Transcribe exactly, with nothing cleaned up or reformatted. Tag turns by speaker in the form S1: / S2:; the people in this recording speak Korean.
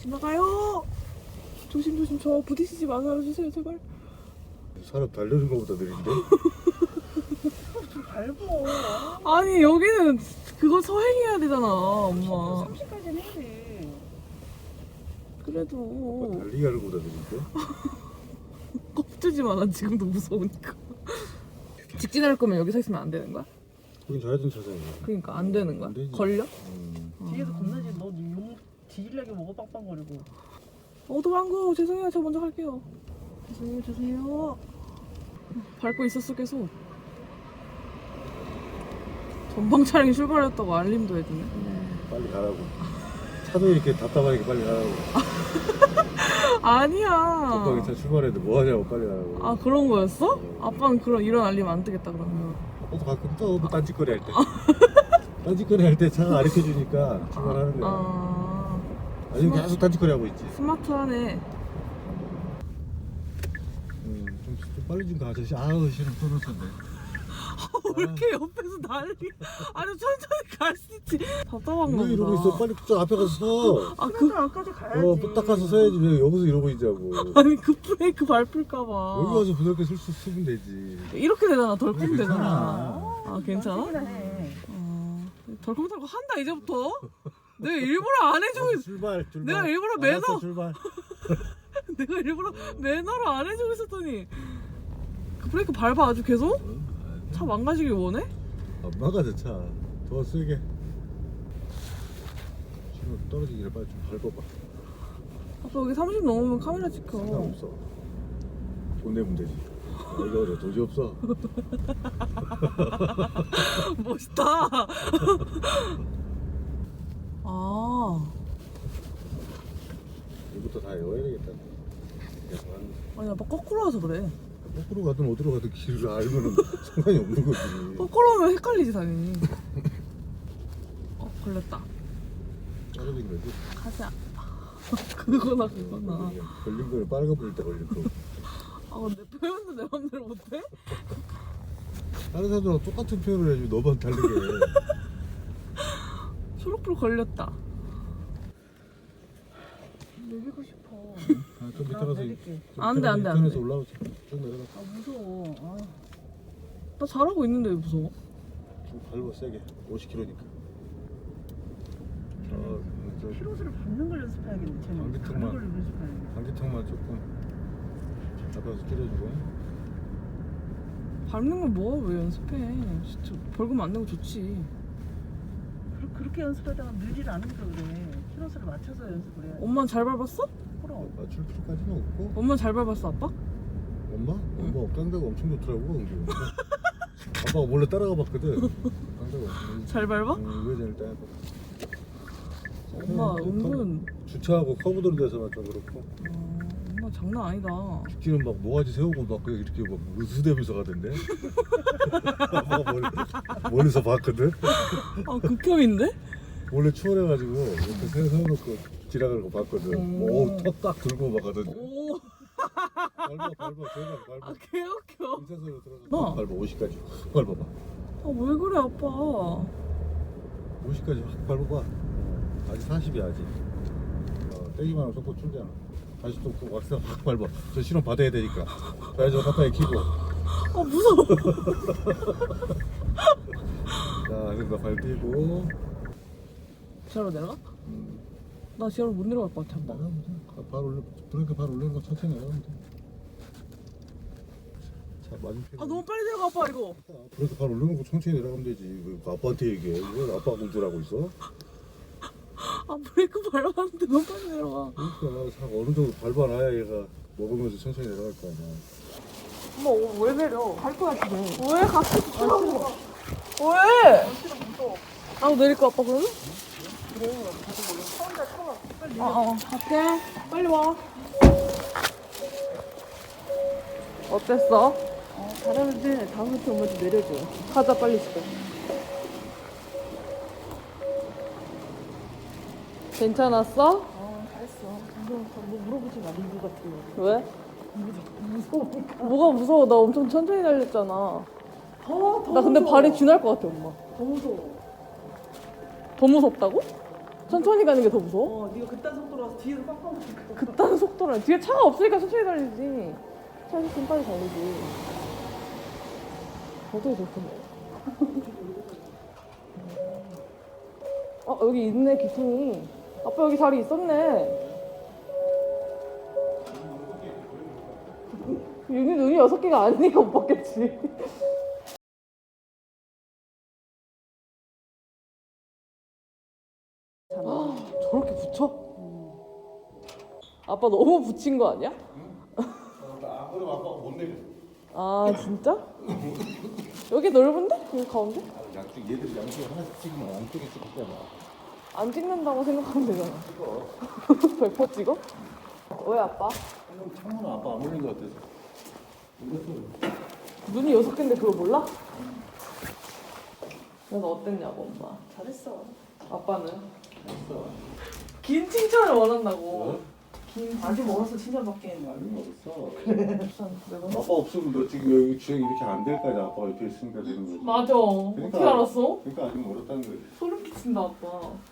S1: 지나가요. 조심조심. 저 부딪히지 마서 알아주세요 제발.
S2: 사람 달려는 거보다 느린데?
S3: 좀 밟어.
S1: 아니 여기는 그거 서행해야 되잖아 엄마.
S3: 삼십까지는 해야 돼.
S1: 그래도
S2: 달리기 하는 거보다 느린데?
S1: 겁주지 마. 난 지금도 무서우니까. 직진할 거면 여기 서 있으면 안 되는 거야?
S2: 거긴 좌회전 차선이야.
S1: 그러니까 안 되는 거야?
S2: 안 되지.
S1: 걸려?
S2: 음.
S3: 뒤에서 겁나지. 너 용 뒤질려게 먹어 빵빵거리고.
S1: 어 도망고. 죄송해요. 저 먼저 갈게요. 죄송해요 죄송해요. 밟고 있었어 계속. 전방 차량이 출발했다고 알림도 해주네.
S2: 빨리 가라고. 차도 이렇게 답답하니까 빨리 가라고.
S1: 아니야.
S2: 전방에 차 출발했는데 뭐 하냐고 빨리 가라고.
S1: 아 그런 거였어? 아빠는 그런 이런 알림 안 뜨겠다 그러면.
S2: 아빠도 가끔 또 딴짓거리 할 때. 딴짓거리 할 때 차가 가르쳐주니까 출발하는 거야.
S1: 아
S2: 아니면 계속 딴짓거리 하고 있지.
S1: 스마트하네.
S2: 음, 좀, 좀 빨리 좀 가. 아저씨. 아우 싫어 떨어졌네.
S1: 왜 이렇게 옆에서 난리? 아니 천천히 갈 수 있지. 답답한가
S2: 왜 이러고 있어?
S1: 보다.
S2: 빨리 저 앞에 가서 서.
S1: 아 그
S3: 그래도 안까지 가야지.
S2: 어, 딱 가서 서야지. 왜 여기서 이러고 있자고.
S1: 아니 그 브레이크 밟힐까봐.
S2: 여기 와서 부드럽게 쓸 수 쓰면 되지.
S1: 이렇게 되잖아. 덜컹
S2: 괜찮아.
S1: 되잖아. 아 괜찮아?
S3: 나 해.
S1: 어, 덜컹덜컹 한다 이제부터. 내가 일부러 안 해주고 있...
S2: 출발 출발.
S1: 내가 일부러
S2: 알았어,
S1: 매너-
S2: 출발.
S1: 내가 일부러 매너로 안 해주고 있었더니 그 브레이크 밟아 아주 계속? 차 망가지길 원해?
S2: 안 막아져 차. 더 세게. 지금 떨어지기를 빨리 좀 밟아봐.
S1: 아빠 여기 삼십 넘으면 카메라 찍혀.
S2: 상관없어. 돈 내면 되지. 아, 이거 어려 도저히 없어.
S1: 멋있다. 아,
S2: 이부터 다 외워야 되겠다. 계속 하는 거.
S1: 아니 아빠 거꾸로 와서 그래.
S2: 거꾸로 가든 어디로 가든 길을 알면은 상관이 없는 거지.
S1: 거꾸로 오면 헷갈리지 당연히. 어 걸렸다.
S2: 떨어진 거지.
S1: 가자. 그거나 그거나.
S2: 그냥 걸린 거는 빨간 불일 때 걸린 거.
S1: 아 근데 표현도 내 맘대로 못해?
S2: 다른 사람들하고 똑같은 표현을 해주면 너만 다르게 해.
S1: 초록불 걸렸다.
S3: 내리고 싶어.
S2: 아, 좀 밑에 가서
S3: 내릴게.
S2: 좀
S1: 안 돼, 안 돼, 안
S2: 인터넷에
S1: 돼.
S2: 올라오자. 쭉 내려가.
S3: 아 무서워. 아.
S1: 나 잘하고 있는데 왜 무서워?
S2: 좀 밟아 세게. 오십 킬로미터니까. 저, 저
S3: 키로수를 밟는 걸 연습해야겠네. 쟤는
S2: 방귀통만.
S3: 밟는 걸 연습해야겠네.
S2: 방지턱만 조금 잡아서 줄여주고.
S1: 밟는 걸 뭐 왜 연습해? 진짜 벌금 안 내고 좋지.
S3: 그- 그렇게 연습하다가 늘질 않으니까 그래. 키로수를 맞춰서 연습을 해야 돼.
S1: 엄마는 잘 밟았어?
S3: 그럼.
S2: 맞출 필요까지는 없고.
S1: 엄마는 잘 밟았어 아빠?
S2: 엄마? 엄마 깡대가 엄청 좋더라고. 은기. 아빠가 몰래 따라가 봤거든. 깡대가 엄청.
S1: 잘 밟아?
S2: 응, 우회전을 따야 돼.
S1: 엄마 은근
S2: 주차하고 커브도로 돼서 좀 그렇고.
S1: 어, 엄마 장난 아니다.
S2: 죽기는 막 모가지 세우고 막 그냥 이렇게 막 으스대면서 가던데. 아빠가 멀리, 멀리서 봤거든.
S1: 아 극혐인데?
S2: 원래 추월해가지고 이렇게 세- 세워놓고 지나가는 거 봤거든.
S1: 음.
S2: 오, 턱 딱 들고 막 가던데.
S1: 오,
S2: 밟아, 밟아, 제발 밟아.
S1: 아 개웃겨.
S2: 인사소리로 들어가.
S1: 너.
S2: 밟아, 오십까지. 밟아봐.
S1: 아 왜 그래 아빠?
S2: 오십까지 확 밟아봐. 아직 사십이야 아직. 어, 떼기만 하면 속도 줄잖아. 다시 또 그 왁스 확 밟아. 저 실험 받아야 되니까. 좌회전 가까이 키고.
S1: 아 무서워.
S2: 자, 그래서 발 떼고.
S1: 지하로 내려가?
S2: 음,
S1: 나 지하로 못 내려갈 것 같아 아빠.
S2: 나가면 돼. 가- 발 올려. 브레이크 발 올리는 거 천천히 나가면 돼. 자, 맞은편.
S1: 아 너무 빨리 내려가 아빠 이거.
S2: 브레이크 발 올리는 거 천천히 내려가면 되지. 왜 아빠한테 얘기해? 왜 아빠가 운전하고 있어?
S1: 아 브레이크 밟았는데 너무 빨리 내려가.
S2: 그러니까 차 어느 정도 밟아놔야 얘가 먹으면서 천천히 내려갈 거 아니야.
S1: 엄마 어, 왜 내려? 갈 거야 지금. 왜 같이 주라고? 왜? 나도 내릴까 아빠 그러면? 빨리 어, 어, 갈게. 빨리 와. 어땠어?
S3: 어, 잘하는데 다음부터 엄마 좀 내려줘.
S1: 가자 빨리 집에. 괜찮았어?
S3: 어, 잘했어. 뭐, 뭐 물어보지 마, 리뷰 같은 거.
S1: 왜?
S3: 무서우니까.
S1: 뭐가 무서워? 나 엄청 천천히 달렸잖아.
S3: 더, 더
S1: 나 근데
S3: 무서워.
S1: 발이 쥐날 것 같아 엄마.
S3: 더 무서워.
S1: 더 무섭다고? 천천히 가는 게 더 무서워?
S3: 어, 네가 그딴 속도로 와서 뒤에서 빵빵 붙을까?
S1: 그딴 속도라. 뒤에 차가 없으니까 천천히 달리지. 차 있으면 빨리 달리지. 어떻게 저렇게 어, 여기 있네, 기둥이. 아빠 여기 자리 있었네. 윤이 눈이 여섯 개가 아니니까 못 봤겠지. 저렇게 붙여? 아빠 너무 붙인 거 아니야?
S2: 아, 그럼 아빠가 못 내려.
S1: 아 진짜? 여기 넓은데? 여기 가운데?
S2: 양쪽 얘들이 양쪽에 하나씩 찍으면 안쪽에 찍잖아.
S1: 안 찍는다고 생각하면 되잖아. 백 퍼센트 찍어? 왜 아빠?
S2: 그럼 창문은 아빠 안 올린 것 같아서. 이것도
S1: 눈이 여섯 개인데 그걸 몰라? 넌 어땠냐고 엄마.
S3: 잘했어.
S1: 아빠는?
S2: 없어.
S1: 긴 칭찬을 원한다고.
S3: 긴 아직 멀어서 칭찬받기에는.
S2: 아니 없어.
S1: 참, 내가
S2: 아빠 없으면 너 지금 여기 주행 이렇게 안 될 거야. 아빠 옆에 있으니까 되는 거지.
S1: 맞아. 어떻게
S2: 그러니까.
S1: 알았어?
S2: 그러니까 아직 멀었다는 거지.
S1: 소름 끼친다 아빠.